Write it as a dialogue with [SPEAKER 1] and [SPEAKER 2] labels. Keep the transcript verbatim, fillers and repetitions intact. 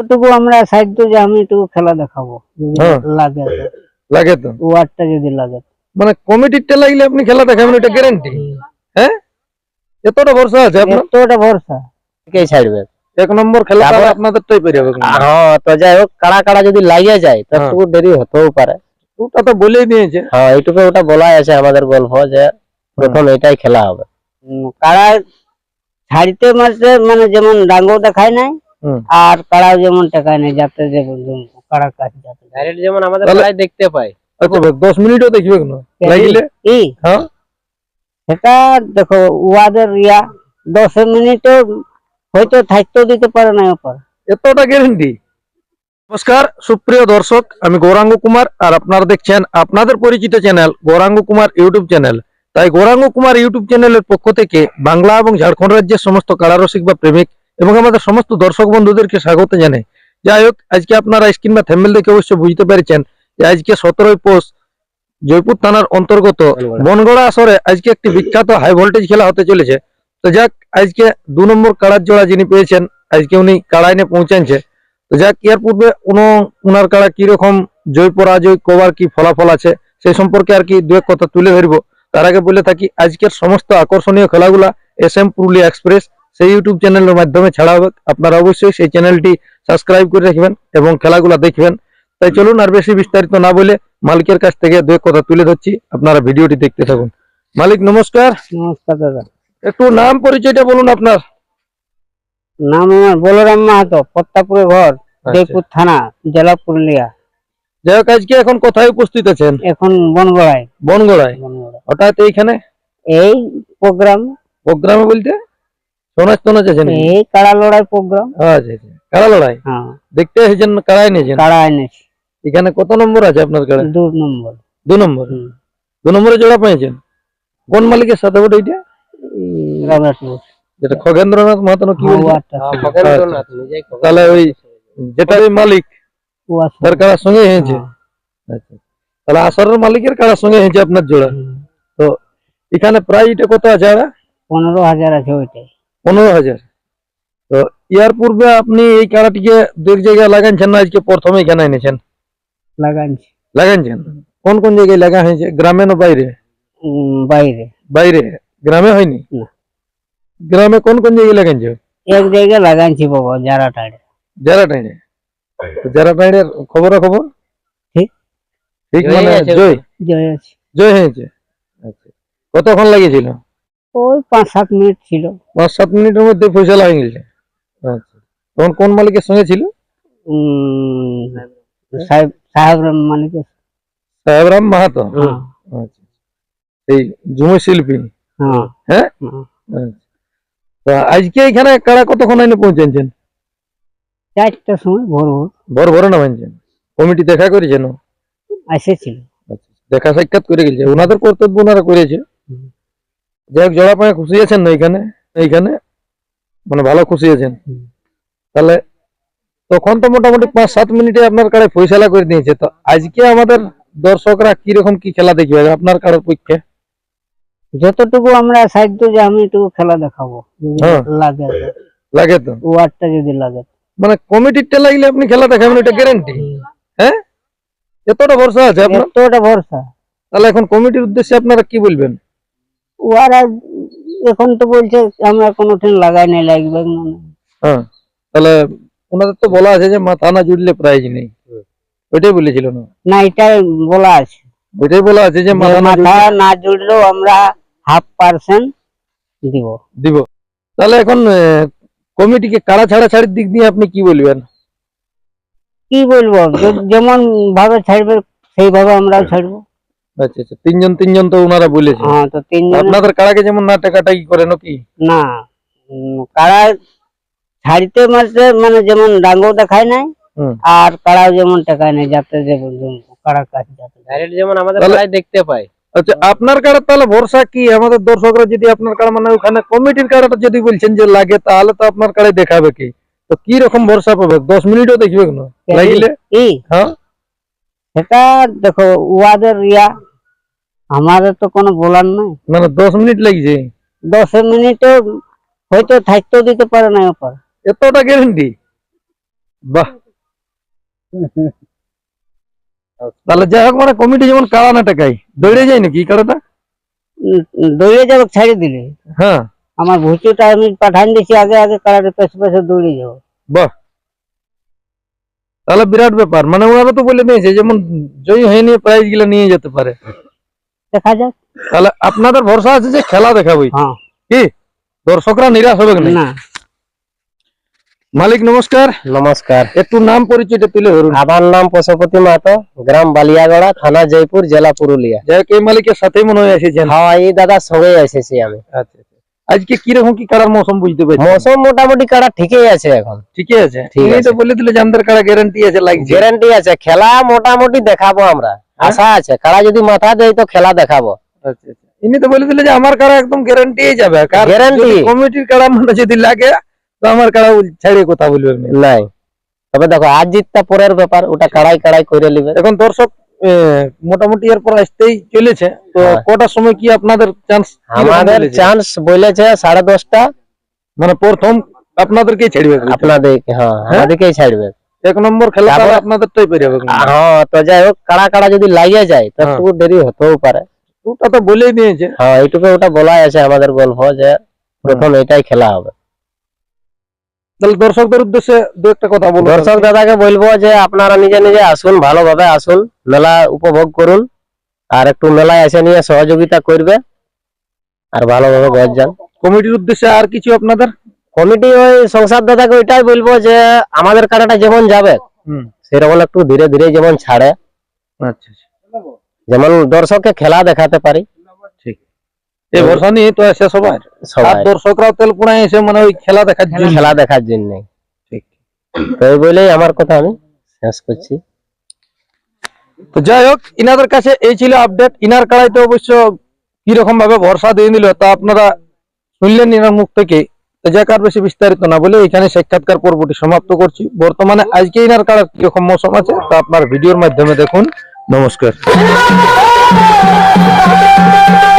[SPEAKER 1] যতটুকু আমরা সাধ্য যে আমি একটু খেলা দেখাবো যদি
[SPEAKER 2] হ্যাঁ।
[SPEAKER 1] লাগে তো।
[SPEAKER 2] লাগে তো
[SPEAKER 1] ওয়ার্ডটা যদি লাগে
[SPEAKER 2] মানে কমিটিরটা লাগলে আপনি খেলা দেখাবেন, এটা গ্যারান্টি? হ্যাঁ, এতটা ভরসা আছে আপনার?
[SPEAKER 1] এতটা ভরসা
[SPEAKER 3] কে ছাড়বে?
[SPEAKER 2] এক নম্বর খেলা
[SPEAKER 3] তারপর-
[SPEAKER 2] আপনাদেরটাই পেরে হবে।
[SPEAKER 3] হ্যাঁ, তো যাই হোক, কাড়া কাড়া যদি লাগিয়ে যায় তো
[SPEAKER 2] হ্যাঁ।
[SPEAKER 3] একটু দেরি হতেও পারে।
[SPEAKER 2] ওটা তো বলেই দিয়েছে।
[SPEAKER 3] হ্যাঁ, এইটুকু ওটা বলাই আছে আমাদের গল্প যে প্রথম এটাই খেলা হবে।
[SPEAKER 1] উম, কাড়া ছাড়িতে মারতে মানে যেমন ডাঙ্গো দেখায় নাই
[SPEAKER 2] হুম।
[SPEAKER 1] আর কাড়াও যেমন টেকায় নাই, যাতে যে কাড়া কাজ যাতে
[SPEAKER 3] ডাইরেক্ট যেমন আমাদের
[SPEAKER 2] তাহলে-
[SPEAKER 3] খেলায় দেখতে পাই।
[SPEAKER 2] আচ্ছা দশ মিনিটও দেখবে না লাগিলে?
[SPEAKER 1] কি
[SPEAKER 2] হ্যাঁ,
[SPEAKER 1] সেটা দেখো ওয়াদের ইয়া দশ মিনিটে হয়তো থাকতেও দিতে পারে না ওপর।
[SPEAKER 2] এতটা গ্যারান্টি? নমস্কার সুপ্রিয় দর্শক, আমি গৌরাঙ্গ কুমার আর আপনারা দেখছেন আপনাদের পরিচিত channel Gouranga Kumar YouTube channel. তাই গৌরাঙ্গ কুমার ইউটিউব চ্যানেলের পক্ষ থেকে বাংলা এবং ঝাড়খণ্ড রাজ্যের সমস্ত কাড়ারসিক বা প্রেমিক এবং আমাদের সমস্ত দর্শক বন্ধুদেরকে স্বাগত জানাই। যাই হোক, আজকে আপনারা স্ক্রিন বা থ্যাম্বনেল দেখে অবশ্যই বুঝতে পেরেছেন যে আজকে সতেরোই পৌষ জয়পুর থানার অন্তর্গত বনগড়া আসরে আজকে একটি বিখ্যাত হাই ভোল্টেজ খেলা হতে চলেছে। তো যাক, আজকে দু নম্বর কাড়ার জোড়া যিনি পেয়েছেন আজকে উনি কাড়ায় নিয়ে পৌঁছাচ্ছে। তো যাক, এর পূর্বে উনার কাড়া কিরকম জয় পরাজয় কবার কি ফলাফল আছে সেই সম্পর্কে আর কি দু এক কথা তুলে ধরবো। তার আগে বলে থাকি আজকের সমস্ত আকর্ষণীয় খেলাগুলা এস এম পুরুলিয়া এক্সপ্রেস সেই ইউটিউব চ্যানেলের মাধ্যমে ছাড়া হবে। আপনারা অবশ্যই সেই চ্যানেলটি সাবস্ক্রাইব করে রাখবেন এবং খেলাগুলা দেখবেন। তাই চলুন আর বেশি বিস্তারিত না বলে মালিকের কাছ থেকে দু এক কথা তুলে ধরছি, আপনারা ভিডিওটি দেখতে থাকুন। মালিক নমস্কার।
[SPEAKER 1] নমস্কার দাদা।
[SPEAKER 2] একটু নাম পরিচয়টা বলুন আপনার।
[SPEAKER 1] নাম আমার বলরাম মাহাতো, পত্তাপুরে ঘর, জয়পুর থানা, জেলা পুরুলিয়া।
[SPEAKER 2] যাই হোক, আজকে এখন কোথায় উপস্থিত আছেন?
[SPEAKER 1] এখন বনগড়ায়।
[SPEAKER 2] বনগড়ায়।
[SPEAKER 1] বনগড়া
[SPEAKER 2] হঠাৎ এইখানে
[SPEAKER 1] এই প্রোগ্রাম,
[SPEAKER 2] প্রোগ্রামে বলতে সোনাজ টোনাজ আছে নাকি?
[SPEAKER 1] এই কাড়া লড়াই প্রোগ্রাম।
[SPEAKER 2] আচ্ছা আচ্ছা, কাড়া লড়াই
[SPEAKER 1] হ্যাঁ,
[SPEAKER 2] দেখতে এসেছেন না কাড়াই নিয়েছেন?
[SPEAKER 1] কাড়া এনেছি
[SPEAKER 2] এখানে কত নম্বর আছে আপনার কাড়া?
[SPEAKER 1] দু নম্বর।
[SPEAKER 2] দু নম্বর।
[SPEAKER 1] হুম।
[SPEAKER 2] দু নম্বরে জোড়া পেয়েছেন কোন মালিকের সাথে ওটা? এটা
[SPEAKER 1] এই রামনাথপুর।
[SPEAKER 2] যেটা খগেন্দ্রনাথ মাহাতো না কি
[SPEAKER 1] হ্যাঁ,
[SPEAKER 2] বলছে?
[SPEAKER 1] ওয়াটা
[SPEAKER 3] হ্যাঁ,
[SPEAKER 1] ছিল।
[SPEAKER 3] খগেন্দ্রনাথ নিজেই খগেন্দ্রনাথ।
[SPEAKER 2] তাহলে ওই যেটা ওই মালিক
[SPEAKER 1] ওয়া ছিল।
[SPEAKER 2] তার কাড়ার সঙ্গে হয়েছে।
[SPEAKER 1] হ্যাঁ।
[SPEAKER 2] আচ্ছা, তাহলে আসরের মালিকের কাড়ার সঙ্গে হয়েছে আপনার জোড়া।
[SPEAKER 1] হুম।
[SPEAKER 2] তো এখানে প্রায় এটা কত আছে? আর
[SPEAKER 1] পনেরো হাজার আছে ওইটাই।
[SPEAKER 2] পনেরো হাজার। তো ইয়ার পূর্বে আপনি এই কাড়াটিকে দু এক জায়গায় লাগাইছেন না আজকে প্রথমে এখানে এনেছেন?
[SPEAKER 1] লাগাইছি
[SPEAKER 2] লাগাইছেন কোন কোন জায়গায় লাগা হয়েছে, গ্রামে না বাইরে?
[SPEAKER 1] উম, বাইরে।
[SPEAKER 2] বাইরে, গ্রামে হয়নি?
[SPEAKER 1] না।
[SPEAKER 2] গ্রামে কোন কোন জায়গায় লাগাইছে?
[SPEAKER 1] এক জায়গায় লাগাইছি বাবা, যারা টাড়ে।
[SPEAKER 2] যারা টাইনে। যারা টাইনের খবর খবর
[SPEAKER 1] ঠিক।
[SPEAKER 2] ঠিক
[SPEAKER 3] জয়
[SPEAKER 2] মানে
[SPEAKER 3] আছে।
[SPEAKER 2] জয়
[SPEAKER 1] জয় আছে।
[SPEAKER 2] জয় হয়েছে। আচ্ছা, কতক্ষণ লাগিয়েছিল?
[SPEAKER 1] ওই পাঁচ সাত মিনিট ছিল।
[SPEAKER 2] পাঁচ সাত মিনিটের মধ্যে ফয়সালা হয়ে গেছে। আচ্ছা, তখন কোন মালিকের সঙ্গে ছিল?
[SPEAKER 1] উম, সাহেব সাহেব মালিক।
[SPEAKER 2] সাহেবরাম মাহাতো।
[SPEAKER 1] হ্যাঁ
[SPEAKER 2] আচ্ছা, এই ঝুমুর শিল্পী।
[SPEAKER 1] হ্যাঁ
[SPEAKER 2] হ্যাঁ।
[SPEAKER 1] হ্যাঁ।
[SPEAKER 2] আচ্ছা, তা আজকে এখানে কারা কতক্ষণ আইনে পৌঁছেছেন?
[SPEAKER 1] চারটার সময় ভোর ভোর
[SPEAKER 2] ভোর ভোরে নামাইছেন? কমিটি দেখা করেছেন?
[SPEAKER 1] এসেছিল।
[SPEAKER 2] আচ্ছা, দেখা সাক্ষাৎ করে গেছে, ওনাদের কর্তব্য ওনারা করেছে।
[SPEAKER 1] হুম।
[SPEAKER 2] যাই হোক, জোড়া পায়ে খুশি আছেন না এখানে? এইখানে মানে ভালো খুশি আছেন?
[SPEAKER 1] হুম।
[SPEAKER 2] তাহলে তখন তো মোটামুটি পাঁচ সাত মিনিটে আপনার কাড়ে ফয়সালা করে দিয়েছে। তো আজকে আমাদের দর্শকরা কিরকম কি খেলা দেখবে আপনার কাড়ের পক্ষে?
[SPEAKER 1] যতটুকু আমরা সাধ্য যে আমি একটু খেলা দেখাবো যদি
[SPEAKER 2] হ্যাঁ।
[SPEAKER 1] লাগে তো।
[SPEAKER 2] লাগে তো
[SPEAKER 1] ওয়ার্ডটা যদি লাগে তো।
[SPEAKER 2] মানে কমিটিরটা লাগলে আপনি খেলা দেখাবেন, এটা গ্যারান্টি? হ্যাঁ, এতটা ভরসা আছে আপনার?
[SPEAKER 1] এতটা ভরসা।
[SPEAKER 2] তাহলে এখন কমিটির উদ্দেশ্যে আপনারা কি বলবেন?
[SPEAKER 1] ওরা এখন তো বলছে আমরা কোনোদিন লাগাই নাই, লাগবে না।
[SPEAKER 2] হ্যাঁ, তাহলে ওনাদের তো বলা আছে যে মাথা না জুড়লে প্রাইজ নেই, ওইটাই বলেছিল না?
[SPEAKER 1] না, এটাই বলা আছে
[SPEAKER 2] ওইটাই বলা আছে যে
[SPEAKER 1] যে
[SPEAKER 2] মাথা না
[SPEAKER 1] মাথা
[SPEAKER 2] জুড়লে
[SPEAKER 1] না জুড়লেও আমরা হাফ পার্সেন্ট দিব।
[SPEAKER 2] দিব। তাহলে এখন আহ, কমিটিকে কাড়া ছাড়া ছাড়ির দিক দিয়ে আপনি কি বলবেন?
[SPEAKER 1] কি বলবো, যে- যেমন ভাবে ছাড়বে সেইভাবে আমরাও ছাড়বো।
[SPEAKER 2] আচ্ছা আচ্ছা, তিনজন তিনজন তো ওনারা বলেছে।
[SPEAKER 1] হ্যাঁ, তো তিনজন
[SPEAKER 2] আপনাদের কাড়াকে যেমন না টাকাটাকি করে নাকি?
[SPEAKER 1] না, উম, কাড়া ছাড়িতে মারতে মানে যেমন ডাঙ্গো দেখায় নাই
[SPEAKER 2] হুম।
[SPEAKER 1] আর কাড়াও যেমন টেকায় নাই, যাতে যে কাড়া কাজ যাতে।
[SPEAKER 3] ডাইরেক্ট যেমন আমাদের
[SPEAKER 2] তাহলে-
[SPEAKER 3] খেলায় দেখতে পাই।
[SPEAKER 2] আচ্ছা, আপনার কাড়া তাহলে ভরসা কি? আমাদের দর্শকরা যদি আপনার কাড়া মানে ওখানে কমিটির কাড়াটা যদি বলছেন যে লাগে, তাহলে তো আপনার কাড়াই দেখাবে কি? তো কি রকম ভরসা পাবে? দশ মিনিটও দেখবে না লাগিলে?
[SPEAKER 1] কি
[SPEAKER 2] হ্যাঁ,
[SPEAKER 1] সেটা দেখো ওয়াদের ইয়া, আমাদের তো কোনো বলার নাই।
[SPEAKER 2] মানে দশ মিনিট লাগছে?
[SPEAKER 1] দশ মিনিটে হয়তো থাকতেও দিতে পারে না ওপর।
[SPEAKER 2] এতটা গ্যারান্টি? বাহ, তাহলে যাই হোক, মানে কমিটি যেমন কাড়া না টাকাই দৌড়ে যায় নাকি এই কাড়াটা?
[SPEAKER 1] উম, দৌড়ে যাবো ছাড়ে দিলে
[SPEAKER 2] হ্যাঁ,
[SPEAKER 1] আমার ভুচুটা আমি পাঠান দিছি আগে আগে কারারে পেছে পেছে দৌড়ে যাবো।
[SPEAKER 2] বাহ, তাহলে বিরাট ব্যাপার। মানে ওনারা তো বলে দিয়েছে যেমন জয়ী হয়ে নিয়ে প্রাইজ গুলো নিয়ে যেতে পারে।
[SPEAKER 1] দেখা যাক।
[SPEAKER 2] তাহলে আপনাদের ভরসা আছে যে খেলা দেখাবই,
[SPEAKER 1] হ্যাঁ,
[SPEAKER 2] কি দর্শকরা নিরাশ হবে না?
[SPEAKER 1] না
[SPEAKER 2] মালিক নমস্কার,
[SPEAKER 3] নমস্কার।
[SPEAKER 2] একটু নাম পরিচয়টা তুলে ধরুন।
[SPEAKER 3] আমার নাম পশুপতি মাহাতো, গ্রাম বালিয়াগড়া, থানা জয়পুর, জেলা পুরুলিয়া।
[SPEAKER 2] যাই হোক, এই মালিকের সাথেই মনে হয় এসেছেন।
[SPEAKER 3] হ্যাঁ, এই দাদার সঙ্গে এসেছি আমি।
[SPEAKER 2] আচ্ছা আচ্ছা। আজকে কিরকম কি কাড়ার মৌসুম বুঝতে পারছি?
[SPEAKER 3] মৌসুম মোটামুটি কাড়া ঠিকই আছে এখন,
[SPEAKER 2] ঠিকই আছে।
[SPEAKER 3] ঠিক
[SPEAKER 2] উনি তো
[SPEAKER 3] আছে।
[SPEAKER 2] বলে দিলে যে আমাদের কাড়া গ্যারান্টি আছে, লাগছে।
[SPEAKER 3] গ্যারান্টি আছে, খেলা মোটামুটি দেখাবো আমরা, আশা আছে। কাড়া যদি মাথা দেয় তো খেলা দেখাবো।
[SPEAKER 2] আচ্ছা আচ্ছা। ইনি তো বলে দিলে যে আমার কাড়া একদম গ্যারান্টি যাবে।
[SPEAKER 3] Guarantee।
[SPEAKER 2] কমিটির কাড়া মানে যদি লাগে তো আমার কাড়া ছাড়িয়ে কথা বলবে না।
[SPEAKER 3] নাই, তবে দেখো আজ জিতটা পরের ব্যাপার, ওটা কাড়াই কাড়াই করে নিবে।
[SPEAKER 2] এখন দর্শক আহ, মোটামুটি এরপর আসতেই চলেছে তো,
[SPEAKER 3] হ্যাঁ।
[SPEAKER 2] কটার সময় কি আপনাদের চান্স?
[SPEAKER 3] আমাদের চান্স বলেছে সাড়ে দশটা।
[SPEAKER 2] মানে প্রথম আপনাদেরকেই ছাড়বে?
[SPEAKER 3] আপনাদের, হ্যাঁ, আমাদেরকেই ছাড়বে।
[SPEAKER 2] এক নম্বর খেলা
[SPEAKER 3] তারপর-
[SPEAKER 2] তাহলে আপনাদেরটাই পেরে যাবে।
[SPEAKER 3] হ্যাঁ, তো যাই হোক, কাড়া কাড়া যদি লাগিয়ে যায় তো
[SPEAKER 2] হ্যাঁ।
[SPEAKER 3] একটু দেরি হতেও পারে।
[SPEAKER 2] ওটা তো বলেই দিয়েছে।
[SPEAKER 3] হ্যাঁ, এইটুকু ওটা বলাই আছে আমাদের গল্প যে প্রথম এটাই খেলা হবে।
[SPEAKER 2] তাহলে দর্শকদের উদ্দেশ্যে দু একটা কথা বলুন।
[SPEAKER 3] দর্শক দাদাকে বলবো যে আপনারা নিজে নিজে আসুন, ভালোভাবে আসুন, মেলা উপভোগ করুন, আর একটু মেলায় এসে নিয়ে সহযোগিতা করবে, আর ভালোভাবে ঘর যান।
[SPEAKER 2] কমিটির উদ্দেশ্যে আর কিছু আপনাদের?
[SPEAKER 3] কমিটি ওই সংসার দাদাকে ওইটাই বলবো যে আমাদের কাটাটা যেমন যাবে
[SPEAKER 2] হুম,
[SPEAKER 3] সেরকম একটু ধীরে ধীরে যেমন ছাড়ে,
[SPEAKER 2] আচ্ছা আচ্ছা,
[SPEAKER 3] যেমন দর্শককে খেলা দেখাতে পারি
[SPEAKER 2] ঠিক। এই ভরসা নিয়ে তো এসে সবাই, আর
[SPEAKER 3] সবাই,
[SPEAKER 2] দর্শকরাও তেলপুরায় এসে মানে ওই খেলা দেখার জন্য।
[SPEAKER 3] খেলা দেখার জন্য।
[SPEAKER 2] ঠিক।
[SPEAKER 3] তো এই বলেই আমার কথা আমি শেষ করছি।
[SPEAKER 2] তো যাই হোক, ইনাদের কাছে এই ছিল আপডেট। ইনার কাড়াইতে অবশ্য কিরকম ভাবে ভরসা দিয়ে নিল তা আপনারা শুনলেন ইনার মুখ থেকে। তো যাক, আর বেশি বিস্তারিত না বলে এখানে সাক্ষাৎকার পর্বটি সমাপ্ত করছি। বর্তমানে আজকে ইনার কাড়ার কিরকম মৌসুম আছে তা আপনার ভিডিওর মাধ্যমে দেখুন। নমস্কার।